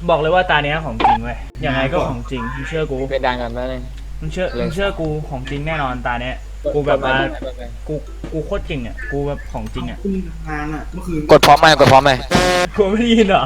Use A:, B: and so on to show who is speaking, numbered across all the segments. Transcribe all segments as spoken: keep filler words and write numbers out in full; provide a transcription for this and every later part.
A: บอกเลยว่าตาเนี้ยของจริงเว้ยยังไงก็ของจริงมึงเชื่อกู
B: เป็นดังกันไหมเนี่ย
A: มึงเชื่อมึงเชื่อกูของจริงแน่นอนตาเนี้ยกูแบบว่ากูกูโคตรจริงอ่ะกูแบบของจริงอ่ะ
C: คุณงานอ่ะเมื่อคืน
B: กดพร้อมไหมกดพร้อมไหม
A: กูไม่ได้ยินเหรอ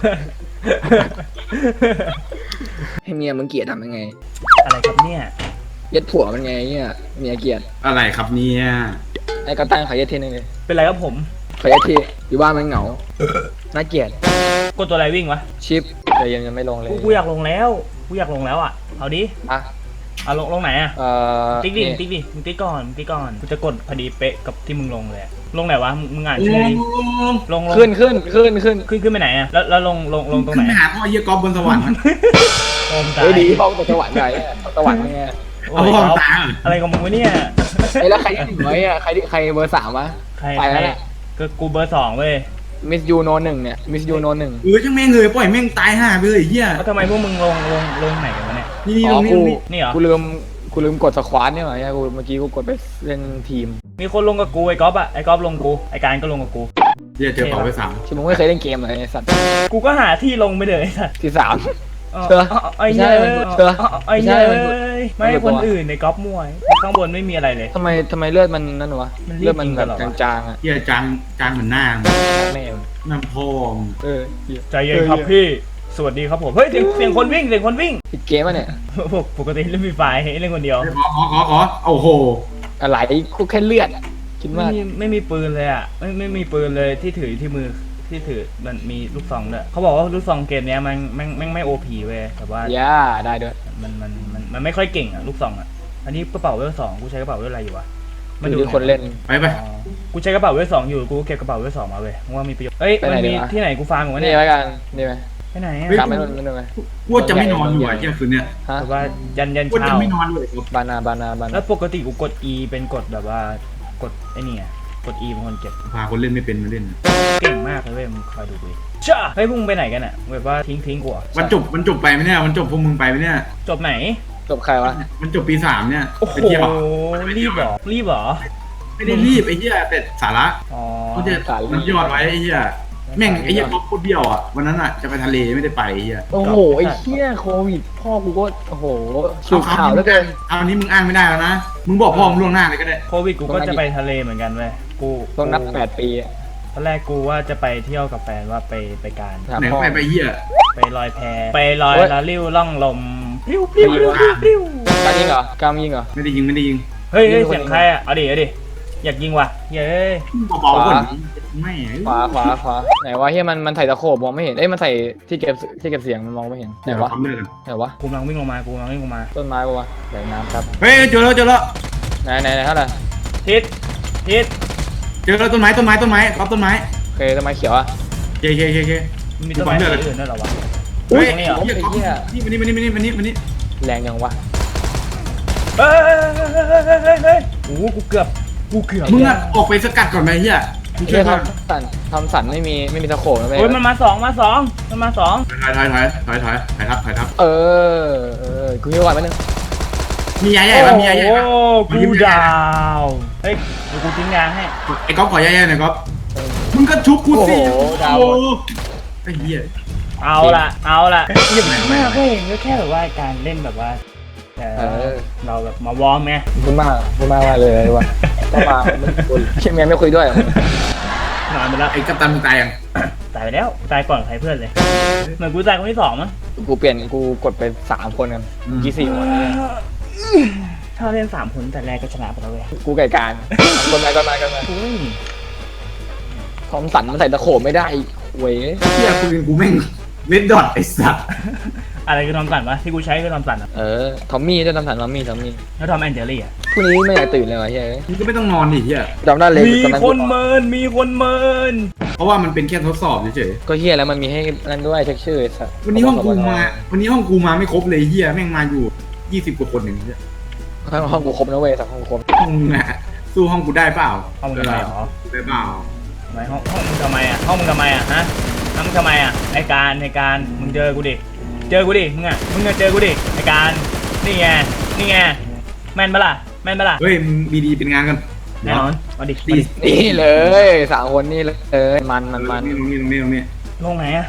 B: ให้เมียมึงเกลียดทำยังไง
A: อะไรครับเนี่ย
B: เย็ดผัวมันไงเนี่ยเมียเกลียด
C: อะไรครับเนี่ย
B: ไอ้กระตั้งขอเย็ดทีนึงเลย
A: เป็นไรครับผม
B: ขอเย็ดทีอยู่บ้านมันเหงาน่าเกลียด
A: กดตัวอะไรวิ่งวะ
B: ชิปแต่ยังยังไม่ลงเลย
A: กูกูอยากลงแล้วกูอยากลงแล้วอ่ะเอาดิ
B: อ่ะ
A: เอาลงลงไหนอ่ะ
B: เอ่อ
A: ติ๊กดิ
B: นี่
A: ติ๊กดิมึงติ๊กก่อนมึงติ๊กก่อนกูจะกดพอดีเป๊ะกับที่มึงลงเลยอะลงไหนวะมึงมึงอ่าน
C: ล
A: ชื่อดิ
C: ง
A: ลงลง
B: ขึ้นขึ้นขึ้นขึ้น
A: ขึ้นขึ้นไปไหนอ่ะแล้วแล้วลงลงลงตรง
C: ขึ้
A: ไหน
C: นไปหาพ่อเยี่ยกอล์ฟบนสวรรค์มัน
A: ลงตา
B: เฮ้ย
A: ย
B: ดีพ่อตกสวรรค์ไงสวรรค์ไง
A: โอ้
C: เอา
A: ย
C: พ่อ
A: เอา
C: ตาย
A: อะไรของมึงวะเนี่ย
B: ไอ้แล้วใครที่หนึ่งไว้อะใครที่ใครเบอร์สามวะ
A: ใคร
B: ไป
A: ใคร
B: แล้วเนี่ย
A: ก็กูเบอร์สองเว้ย
B: มิสยูโนหนึ่งเนี่ยมิสยูโนหนึ่ง
C: เออจังแม่งเลยปล่อยแม่งตายห่าไปเลยเฮีย
A: แล้วทำไมพวกมึงลงลงลงไหนกันวะเนี่ย
C: นี่นี่
B: อ๋
C: ต
B: อ
C: รงนี้
B: กู
C: ตรงนี้
A: นี่เหรอ
B: กูลืมกูลืมกดสควอตเนี่ยเหรอเนี่ยกูเมื่อกี้กูกดไปเล่นทีม
A: มีคนลงกับกูไอ้ก๊อฟอะไอ้ก๊อฟลงกูไอ้การก็ลงกับกู
C: เฮียเจอเป่าไปสาม
B: ที่มึงไม่เคยเล่นเกมเลยไอ้สัตว์
A: กูก็หาที่ลงไปเลยไอ้สัส
B: ที่สาม
A: เออ
B: เชื่อ
A: เอาไอ้เนี่ย
B: ไม่ใช่มันเชื่อ
A: เอาไอ้
B: ไม่ใช่
A: เนี่ย
B: มัน
A: ไม่ให้คนอื่นในก๊อฟมวย ข้างบนไม่มีอะไรเลย
B: ทำไมทำไมเลือดมันนั่นวะ
A: มันรีบ
B: เลือดมันแบบ
A: ยิงกันเหรอวะ
B: จางๆอ่ะ
C: เฮียจางจางเหมือนหน้า
B: แม่ง
C: น้ำพ่อม
B: เออเหี้ย
A: ใจเย็นครับพี่ สวัสดีครับผม เฮ้ยเสียงเสียงคนวิ่งเสียงคนวิ่ง
B: ผิดเกมอ่ะเนี่ย
A: ปกปกติเล่นฟรีไฟร์เล่นคนเดียว
C: ขอขอขอขอโอ้โห
B: อะไรกูแค่เลือดคิด
A: ไม่
B: มาก
A: มีไม่มีปืนเลยอ่ะไม่ไม่มีปืนเลยที่ถือที่มือที่ถือมันมีลูกซองด้วยเขาบอกว่าลูกซองเกมเนี้ยมันแม่งแม่งไม่โอพีเว้ยแต่ว่า
B: ย่าได้ด้วย
A: มันมันมันมันไม่ค่อยเก่งอ่ะลูกซองอ่ะอันนี้กระเป๋าเวลสองกูใช้กระเป๋าเวลอะไรอยู่วะ
B: ดูที่คนเล่น
C: ไปไป
A: อ๋อกูใช้กระเป๋าเวลสองอยู่กูเก็บกระเป๋าเวลสองมาเว้ยว่ามีประโยชน์เอ้ย
B: ไปไหน
A: มันมี
B: ดีวะ
A: ที่ไหนกูฟาร์มอยู่วะ
B: นี่
A: เนี่ย
B: ไว้กันนี่ไหม
A: ไปไหนอ่ะ
B: ตามไม่นู่นไม่นู่นไหม
C: กูจะไม่นอนอยู่อ่ะเฮียคืนเนี้ย
B: ฮะ
A: แต่ว่ายันยัน
C: กูจะ
A: เช้า
C: ไม่นอนเลย
B: บานาบานาบา
A: แล้
B: นาว
A: ปกติกูกด E เป็นกดแบบว่ากดไอ้นี่ไงกด E เป็นคนเก็บ
C: พาคนเล่นไม่เป็นมาเล่น
A: เก่งมากเลยเว้ยมึงคอยดูดิจ้าเฮ้ยพวกมึงไปไหนกันอ่ะแบบว่าทิ้งทิ้งกูเหรอ
C: วันจบมันจบไปไหมเนี่ยมันจบพวกมึงไปไหมเนี่ย
A: จบไหน
B: จบใครวะ
C: มันจบปีสามเนี่ย
A: โอ้โห
C: ไปเที่ยว
A: รีบเหรอรีบเหรอ
C: ไม่ได้รีบไอ้เหี้ยแต่สาระ
A: อ๋อ
C: เขาจะมันยอดไว้ไอ้เหี้ยแม่งไอ้เหี้ยก๊อฟโคตรเบี้ยวอ่ะวันนั้นอ่ะจะไปทะเลไม่ได้ไปไอ้เหี้ย
B: โอ้โหไอ้เหี้ยโควิดพ่อกูก็โอ้โหสูบข่าวแล้วเกิน
C: เอาอันนี้มึงอ้างไม่ได้แล้วนะมึงบอกพ่อมึงล่วงหน้าเลยก็ได้
A: โควิดกูก็จะไปทะเลเหมือนกันเว้ยกู
B: ต้องนับแปดปีอะ
A: ตอนแรกกูว่าจะไปเที่ยวกับแฟนว่าไปไปการ
B: ถาม
C: ไหน
B: พ่อ
C: ไปไปเหี้ย
A: ไปลอยแพไปลอย
B: โอ๊ย
A: แล้วริ้วล่องลมริ้วริ้วริ้วริ้วริ้ว
B: การยิงเหรอกามยิงเหรอ
C: ไม่ได้ยิงไม่ได้ยิง
A: เฮ้ยเฮ้ย
B: ยิงคน
A: เสียงใครอ่ะเอาดิเอาดิอยากยิงว่ะเย้ย
C: เบาๆก่อน
B: ขวา
C: ไม่
B: ขวาขวาขวาไหนวะเฮียมันมันใส่ตะโขบมองไม่เห็นเอ้ยมันใส่ที่เก็บที่เก็บเสียงมันมองไม่เห็นไหน
C: เดี๋ยว
B: วะ
C: ทำเลิกกัน
B: ไหนวะ
A: กูกำลังวิ่งลงมากูกำลังวิ่งลงมา
B: ต้นไม้ปะวะไหนน้ำครับ
C: เฮ้ยเจอแล้วเจอแล้ว
B: ไหนไหนไหนเท่าไหร่
A: ทิศทิศ
C: เจอแล้วต้นไม้ต้นไม้ต้นไม้ก๊อฟต้นไม้
B: โอเคต้นไม้เขียวอะ
C: เคเคเคเค
A: มันมีต้นไม้ต้นอื่นด้วยเหรอวะ
C: เฮ้ย
A: ตรงนี้เหรอ
C: เหี้ยก๊อฟนี่มานี่มานี่มานี่มานี่มานี่
B: แรงยังวะ
A: เฮ้ยเฮ้ยเฮ้ยเฮ้ยเฮ้ยโอ้โหกูเกือบกูเกือบ
C: มึงอ่ะออกไปสกัดก่อนไหมเหี้ยมึงช่
B: เฮี
C: วย ย
B: ท
C: ก่อน
B: ำสันทำสันไม่มีไม่มีตะโขบนะเว้ย
A: โอ้ยมันมาสองมาสองมันมาสอง
C: ถอยถอยถอยถอยถอยถอยทับถอยทับ
B: เออเออกูยิงก่อนมาหนึ่ง
C: มียาใหญ่ปะมียาใหญ่ปะ
A: โอ้กูดาวเฮ้ยเดี๋ยวกูทิ้งยาให้
C: ไอ้ก๊อฟขอยาใหญ่หน่อยก๊อฟมึงก็ชุบกูสิ
B: โอ้โหดาว
C: โอ้ไอ้เหี้ย
A: เอาละเอาละ
C: เยี่ยมไหน
A: มากเว้ยก็แค่แบบว่าการเล่นแบบว่าเอ
B: เอ
A: อ
B: อ
A: เราแบบมาวอร์มไง
B: พูดมากพูดมากว่าเลยวะต้องมาไม่คุยเชี่ยแม่ไม่คุยด้วย
A: นอนไปแล้ว
C: ไอ้กัปตันมึงตายยัง
A: ตายไปแล้วตายก่อนใครเพื่อนเลยเหมือนกูตายคนที่สองมั้ง
B: กูเปลี่ยนกูกดไปสามคนกันกี่สี่คน
A: ถ้าเล่นสามคนแต่แรกก็ชนะไปแล้วเว้ย
B: กูไก่การคนไหนคนไหนคนไหน
A: อุ้ย
B: ทอมสันมันใส่ตะโขบไม่ได้เว้ย
C: เหี้ยปืนกูแม่งเวดดอทไอ้สัส
A: อะไรคือทอมสันวะที่กูใช้คือทอมสันอ่ะ
B: เออทอมมี่ด้วยทอมสันทอมมี่ทอมมี่
A: แล้วทอมแอนเจลี่อ่ะ
B: พรุ่งนี้ไม่อยากตื่นเลยวะเฮ้ย
C: มึงก็ไม่ต้องนอนดิเหี้ย
B: จำได้เลย
A: มี
B: ตอนนั้น
A: คนเมินมีคนเมิน
C: เพราะว่ามันเป็นแค่ทดสอบเฉย
B: ก็เฮียแล้วมันมีให้นั่นด้วยเช็คชื่อสัตว์
C: ๆวันนี้ห้องกูมา วันนี้ห้องกูมาไม่ครบเลยเหี้ยแม่งมาอยู่ยี่สิบกว่าคนอย่างเงี้ย
B: ห้องกูครบนะเว้ยสักห้องกูครบ
C: ห้องมึงอะสู้ห้องกูได้เปล่า
A: ห้องมึงทำไมหรอ
C: ได้เปล่า
A: ทำไมห้องห้องมึงทำไมอ่ะห้องมึงทำไมอ่ะฮะห้องมึงทำไมอ่ะไอการไอการมึงเจอกูดิเจอกูดิมึงอ่ะมึงจะเจอกูดิไอการนี่ไงนี่ไงแม่นปะล่ะแม่นปะล่ะ
C: เฮ้ยมึงบีดีเป็นงานกัน
A: แน่นอนมาดิ
C: ตี
B: นี่เลยสามคนนี่เลยมันมันมัน
C: ตรงนี้ตรงนี้ตรงนี้ตรงนี้
A: ลงไหนอ่ะ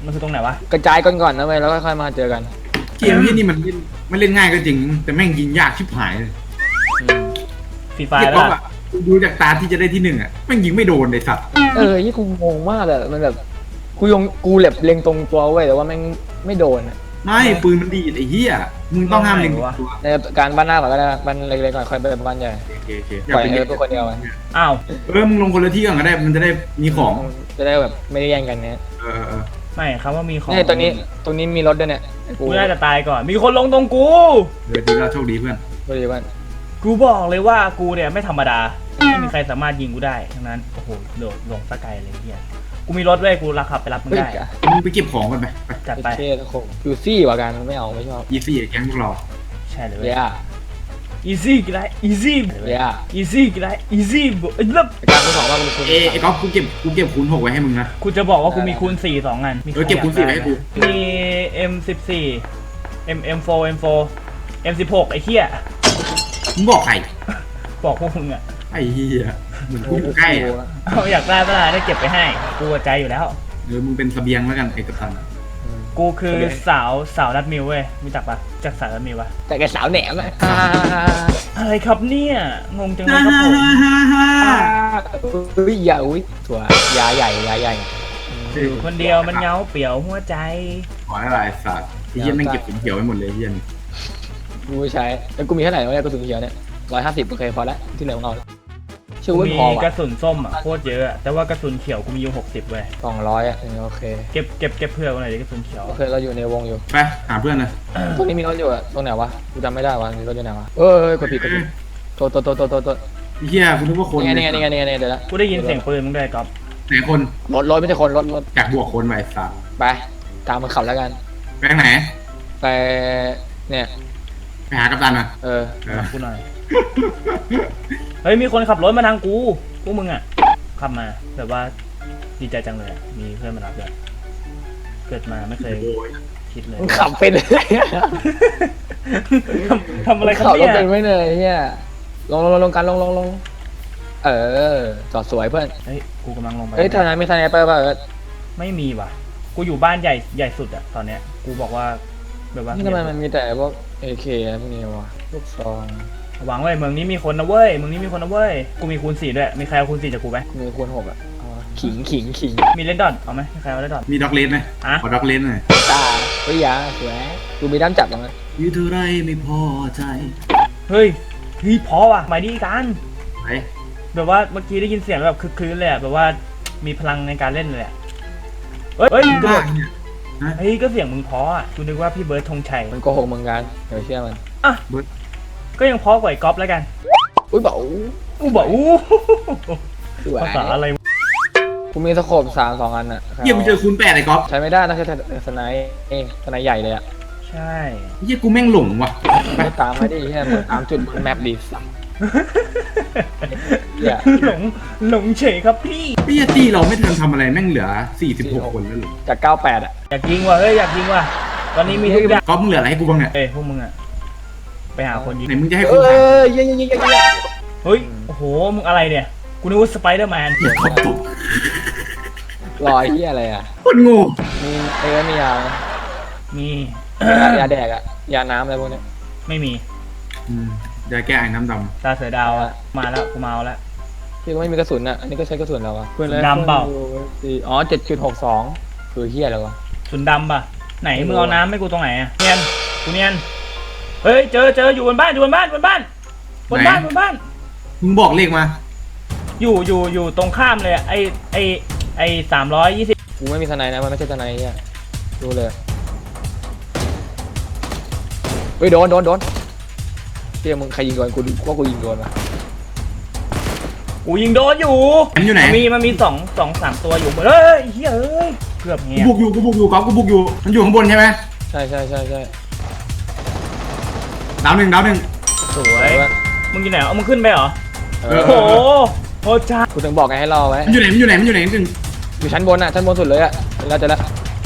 A: มันคือตรงไหนวะ
B: กระจายกันก่อนนะเว้ยแล้วค่อยๆมาเจอกัน
C: เกมที่นี่มันเล่นมันเล่นง่ายก็จริง แต่แม่งยิงยากชิบหายเลย
A: ฟรีไฟ
C: เก็บ
A: ล์
C: ก๊อป
A: ป่ะ
C: อะดูจากตาที่จะได้ที่หนึ่งอะแม่งยิงไม่โดนเลยสัตว์
B: เออยี่กูงงมากเลยมันแบบกูยงกูแหลบเล็งตรงตัวเว้ยแต่ว่าแม่งไม่โดนอะ
C: ไม่ปืนมันดีดไอ้เหี้ยมึงต้องห้ามเล็งตัว
B: ในการบ้านหน้าก่อนก็ได้บ้านเล็กๆก่อนค่อยไปบ้านใหญ่
C: โอเคโอเค
B: ปล่อยเออตัวคนเดียวมัน
A: อ้าว
C: เออมึงลงคนละที่ก่อนก็ได้มันจะได้มีของ
B: จะได้แบบไม่ได้แย่งกันเนี่ย
C: เออเออ
A: ไม่ครับว่ามีของ
B: นี่ตรงนี้ตรงนี้มีรถด้วยเนี่ย
A: กูน่าจะตายก่อน มีคนลงตรงกู
C: เออดีแล้วโชคดีเพื่อน
B: พอดีบ้าน
A: กูบอกเลยว่ากูเนี่ยไม่ธรรมดา ไม่มีใครสามารถยิงกูได้ ทั้งนั้น โอ้โห โดดลงสกายเลยเฮียกูมีรถด้วยกูรักขับไปรับมึง
B: เฮ้ย
A: ได้
C: มึงไปเก็บของกันไปไป
A: จัดไป
B: เท่ตะโขบยูซี่กว่ากันไม่เอาไม่ชอบ
C: อีซี่แก๊งพวกเรา
A: ใช่เลย
B: เย้
A: อีซี่กี่ไรอีซี่
B: เย้
A: อีซี่กี่ไรอีซี่บเอ้ยแล้ว
B: การคุณสองว่าคุณคุณ
C: เอไอ้ก๊อฟกูเก็บกูเก็บคูณหกไว้ให้มึงนะ
A: กูจะบอกว่ากูมีคูณสี่สองอันมี
C: เออเก็บคูณสี่ไว้ให้กู
A: มี เอ็ม สิบสี่ M เอ็ม โฟร์ เอ็ม โฟร์ เอ็ม สิบหก ไอ้เหี้ย
C: มึงบอกใคร
A: บอกพวกมึงอะ
C: ไอ้เหี้ยเหมือนกูอยู่ใกล้อะ
A: เอาอยากได้เวลาได้เก็บไปให้ กูใจอยู่แล้ว
C: เออมึงเป็นเสบียงแล้วกันไอ้กัปตัน
A: กูคือสาวสาวรัดมิวเว้ยรู้จักปะจากสาวรัดมิวปะ
B: แต่แกสาวแหนมอ่ะ
A: อะไรครับเนี่ยงงจังเลยครับผม
B: อุ้ยอย่าอุ้ยถั่วยาใหญ่ยาใหญ่
A: อยู่คนเดียวมันเหงาเปลี่ยวหัวใจ
C: ขออะไรสัตว์ไอ้เหี้ยแม่งเก็บผมเขียวไว้หมดเลยไอ้เหี้ยนี่
B: กูใช้แล้วกูมีเท่าไหร่วะเนี่ยกระสุนเขียวเนี่ยร้อยห้าสิบโอเคพอละที่เหลือของเราชื่อว่า
A: มี
B: พอก
A: ระ
B: ว่ะ
A: สุนส้มอ่ะโคตรเยอะอะแต่ว่ากระสุนเขียวกูมีอยู่หกสิบเว้ย
B: สองร้อยอ่ะโอเค
A: เก็บเก็บเก็บเพื่อกูหน่อยดิกระสุนเขียว
B: โอเคเราอยู่ในวงอยู่
C: ไปหาเพื่อนเลย
B: ตรงนี้มีรถอยู่อะตรงไหนวะกูจำไม่ได้วะมีรถอยู่ไหนวะเอ้ยกดผิดกดผิดโตโตโตโตโตโต
C: ไอ้เหี้ยคุณนึกว่าคน
B: นี่ไงนี่ไงนี่ไงนี่ไงเดี๋ยวละ
A: กูได้ยินเสียงปืนมึงด้วยก๊อฟ
C: ไหนคน
B: รถรถไม่ใช่คนรถรถ
C: อยากบวกคนไปสัตว์
B: ไปตามมันขับแล้วกัน
C: ไปทางไหน
B: ไปเนี่ย
C: ไปหากัปตันอ่ะ
B: เออ
C: เออ
A: กูหน่อยเฮ้ยมีคนขับรถมาทางกูพวกมึงอ่ะขับมาแบบว่าดีใจจังเลยอะมีเพื่อนมารับด้วยเกิดมาไม่เคย
C: โอ้ย
A: คิดเลย
B: มึงขับเป็นเลย
A: ทำทำอะไรครับ
B: ขับรถ
A: เนี่ย
B: เป็นไม่เลยเฮียลงลงลงลงกันลงลงลงเออจอดสวยเพื่อน
A: เฮ้ยกูกำลังลงไป
B: เฮ้ยทนายไม่ทนายไปป่ะเออ
A: ไม่มีว่ะ กูอยู่บ้านใหญ่ใหญ่สุดอะตอนเนี้ย กูบอกว่าแบบว่า
B: นี่ทำไมมันมีแต่พวกเอเคพวกนี้วะลูกซอง
A: หวังไว้เมืองนี้มีคนนะเว้ยเมืองนี้มีคนนะเว้ย กูมีคูณสี่ด้วย มีใครเอาคูณสี่จากกูไหม
B: มีคูณหกอ่ะเอาวะขิงขิงขิง
A: มีเลนดอนเอาไหมมีใครเอาเลนดอน
C: มีด็อกเลนไหม
A: อะ
C: ขอด็อกเลนหน่อย
B: ตาเฮ้ยยาสวยดูมีด้ามจับตรงนั้น
C: ยืดเท่าไรไม่พอใจ
A: เฮ้ยเฮ้ยพอว่ะหมายดีกัน
C: ไป
A: แบบว่าเมื่อกี้ได้ยินเสียงแบบคึกคืนเลยอะแบบว่ามีพลังในการเล่นเลยอะเฮ้ยเฮ้ยกระโดด
C: เนี่ย
A: เฮ้ยก็เสียงมึงเพออะกูนึกว่าพี่เบิร์ดธงชัย
B: มันโกหกมึงกันเดี๋ยวเชื่อมัน
A: อ่ะก็ยังเพอกว่าไอ้ก๊อฟแล้วกัน
B: อุ้ยบอก
A: กูบอกอู้
B: สวย
A: ภาษาอะไรวะ
B: กูมีสโคปสามสองอันอ่ะ
C: เหี้ยมึงเจอคูณแปดไอ้ก๊อฟ
B: ใช้ไม่ได้นะใช้แต่สไนป์เอ้สไนป์ใหญ่เลยอ่ะ
A: ใช่
C: เหี้ยกูแม่งหลงว่ะ
B: ไม่ตามไม่ได้แค่เหมือนตามจุดบนแมปดีสัก เหี้ย
A: หลงหลงเฉยครับพี่
C: เหี้ยตี้เราไม่ทันทำอะไรแม่งเหลือสี่สิบหกคนแล้วเหรอ
B: จากเก้าแปดอ่ะ
A: อยากยิงว่ะเฮ้ยอยากยิงว่ะตอนนี้มีทุกอย่าง
C: ก๊อฟมึงเหลืออะไรให้กูบ้างเนี่ย
A: เอ้ยพวกมึงอะไปหาคนยิง
C: ไหนมึงจะให้
B: เอ
C: กูหา
B: อยิงยิงยิงยิงยิง
A: เฮ้ยโอ้โหมึงอะไรเนี่ยกูนึกว่าสไปเดอร์แมน
B: ลอยเฮียอะไรอ่ะ
C: คนโง่
B: มีเอ้มียา
A: มี
B: ยาแดกอ่ะยาน้ำอะไรพวกนี้
A: ไม่มี
C: อืมยาแก้ไอ้น้ำด
A: ตาเสือดาวอะมาแล้วกูเมาแล้ว
B: พี่ก็ไม่มีกระสุนอ่ะอันนี้ก็ใช้กระสุนแล้วอ่ะ
A: ดำเปล่า
B: อ๋อเจ็ดจุดหกสองคือเฮียอะไรวะ
A: สุนดำป่ะไหนมึงเอาน้ำให้กูตรงไหนอะเนียนกูเนียนเฮ้ยเจอเจออยู่บนบ้านอยู่บนบ้านบนบ้านบนบ้านบนบ้าน
C: ำมึงบอกเลขมา
A: อยู่อยู่อยู่ตรงข้ามเลยอะไอไอไอสามร้อยยี่สิบ
B: กูไม่มีทนายนะมันไม่ใช่ทนายเฮียดูเลยเฮ้ยโดนโดนโดนเฮียมึงใครยิงโดนกูดูว่ากูยิงโดนปะ
A: กูยิงโดนอยู่
C: มันอยู่ไหน
A: มันมีมันมีสองสองสามตัวอยู่เฮ้ยเฮ้ยเอ้ยเกือบ
C: กู
A: เงี้ย
C: บุกอยู่กูบุกอยู่ก๊อฟกูบุกอยู่มันอยู่ข้างบนใช่ไหม
B: ใช่ใช่ใช่ใช่
C: ดาวหนึ่งดาวหนึ่ง
A: สวยมึงอยู่ไหนเอามึงขึ้นไปเหรอ
B: เอ
A: โอ้
B: อ
A: โหโอ้จ้า
B: กูถึงบอกไงให้รอไว้
C: มันอยู่ไหนมันอยู่ไหนมันอยู่ไหนหนึ่ง
B: อยู่ชั้นบนอ่ะชั้นบนสุดเลยอ่ะแล้วจะละ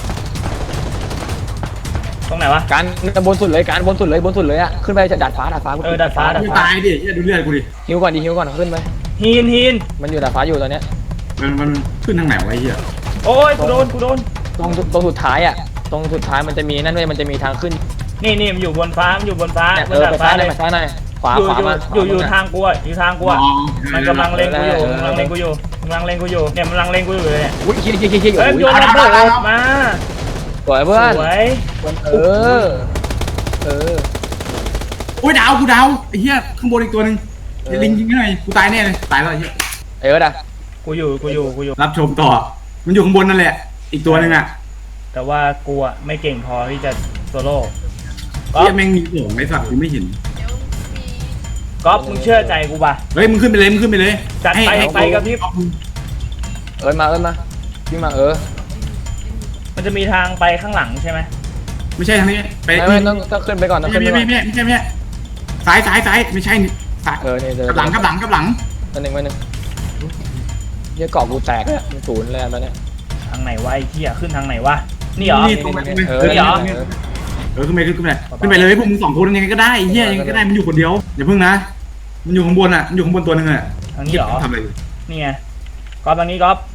A: ตรงไหนวะ
B: การบนสุดเลยการบนสุดเลยบนสุดเลยอ่ะขึ้นไปจะดาดฟ้าดาดฟ้า
A: เออดาดฟ้าดาด
C: มึง
A: ฟ้า
C: ตายดิเหี้ยดูเลือดกูดิ
B: หิวก่อนดิหิวก่อนขึ้นไป
A: ฮีนฮีน
B: มันอยู่ดาดฟ้าอยู่ตอนเนี้ย
C: มันมันขึ้นทางไหนวะไอ้เหี้ย
A: โอ้ยกูโดนกูโดน
B: ตรงตรงสุดท้ายอ่ะตรงสุดท้ายมันจะมีนั่นด้วยมันจะมีทางขึ้น
A: นี่นี่มันอยู่บนฟ้ามันอยู่บนฟ้า
B: เนี่ย
A: บ
B: เอน อ
A: ดาด
B: ไป
A: ฟ้า
B: ซ้ายห
A: เล
B: น่อย
A: ย
B: ไปซ้ายหน่อยขวา
A: อยู่
B: ขวา
A: อยู่
B: มา
A: อยู่อยู่
B: ขวา
A: ทางกูอะอยู่ทางกูอะมันกำลังเล็งกูอยู่มันกำลังเล็งกูอยู่มันกำลังเล็งกูอยู่เนี่ยมันกำลังเล็งกูอยู่เลยเนี่ย
B: อุ้ยคิดคิดคิดคิด
A: เฮ้ย
B: อุ้
A: โย
B: ย
A: นระเบิดมา
B: สวยเพื่อน
A: สวย
B: เออเออ
C: โอ้ยดาวกูดาวไอ้เหี้ยข้างบนอีกตัวหนึ่งลิงยิงหน่อยกูตายแน่เลยตายแล้วไอ้เหี้ย
B: เออด่ะ
A: กูอยู่กูอยู่กูอยู่
C: รับชมต่อ มันอยู่ข้างบนนั่นแหละ อีกตัวหนึ่งอ่ะ
A: แต่ว่ากูอะไม่เก่งพอที่จะโซโล่ก๊อ
C: เหี้
A: ฟ
C: ยแม่งมีโหงไอ้สัตว์กูไม่เห็น
A: ก๊อฟมึงเชื่อใจกูป่ะ
C: เฮ้ยมึงขึ้นไปเลยมึงขึ้นไปเลย
A: จัดไป
C: ให้ให้
A: ไปกับพี่
B: เอ้ยมาเอ้ยมาวิ่งมาเออ
A: มันจะมีทางไปข้างหลังใช่ไหม
C: ไม่ใช่ทางนี้ไป
B: ไม่ไม่ต้องต้องขึ้นไปก่อนต้อง
C: ไม่
B: ขึ้นไป
C: ใช่
B: ก่
C: ไม่
B: อน
C: ใช่ไม่ใช่ไม่ใช่ซ้ายซ้ายซ้ายไม่ใช่นี่ซ้าย
B: เออนี่เดี๋ยว
C: กับหลังกับหลังกับหลัง
B: อันหนึ่งอันหนึ่งเหี้ยเกาะกูแตกเลยมันศูนย์เลยตอนเนี้ย
A: ทางไหนวะไอ้เหี้ยขึ้นทางไหนวะนี่เหรอ
C: นี่ตรงไปตรงไป
B: เอ
C: เอ
B: อ
C: อ
A: นี่เหรอ
C: เออขึ้นไปขึ้นไปขึ้นไปเลยพวกมึงสองคนยังไงก็ได้เฮียยังไงก็ได้มันอยู่คนเดียวอย่าเพิ่งนะมันอยู่ข้างบนอ่ะมันอยู่ข้างบนตัวหนึงอ่ะ
A: ทางนี้เหรอ
C: ทำอะไรอยู่
A: นี่ไงก๊อฟทางนี้ก๊อฟ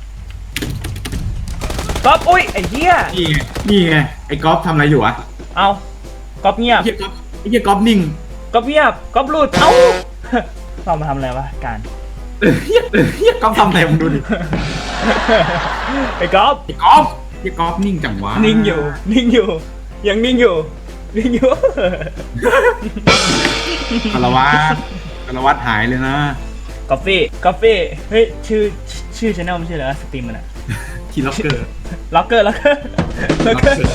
A: ก๊อฟอุ้ยไอ้เหี้ย
C: นี่ไงนี่ไงไอ้ก๊อฟทำอะไรอยู่วะ
A: เอาก๊อฟเงียบ
C: ไอ้เฮียก๊อฟไอ้เฮียก๊อฟนิ่ง
A: ก๊อฟเงียบก๊อฟหลุดเอ้า เรามาทำอะไรวะการ
C: เออเฮียเออเฮียก๊อฟทำอะไรมึงดูดิ
A: ไอ้ก๊อฟ
C: ไอ้ก๊อฟไอ้ก๊อฟนิ่งจังวะ
A: นิ่งอยู่นิ่งอยู่ยังนิ่งอยู่นิ่งอยู่
C: คารวะคารวะหายเลยนะ
A: กาแฟกาแฟเฮ้ยชื่อชื่อชแนลไม่ใช่เหรอสตรีมมันอะ
C: ทีล็อกเกอร์
A: ล็อกเกอร์ล็อกเกอร์ล็อกเกอร์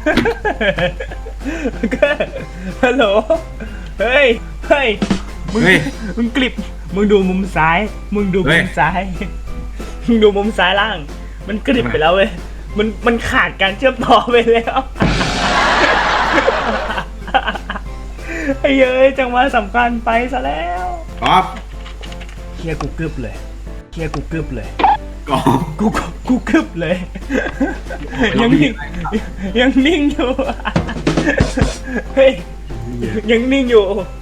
A: ล็อกเกอร์ฮัลโหลเฮ้ยเฮ้ยมึงมึงกลิบมึงดูมุมซ้าย มึงดูมุมซ้ายมึงดูมุมซ้ายล่าง มันกลิบไปแล้วเว้ยมันมันขาดการเชื่อมต่อไปแล้วไอ้เย้ยจังหวะสำคัญไปซะแล้ว
C: ก๊อฟ
A: เฮียกูกึบเลยเฮียกูกึบเลย
C: ก๊อฟ
A: กูกูกูกึบเลย ยังนิ่งยังนิ่งอยู่ เฮ้ยยังนิ่งอยู่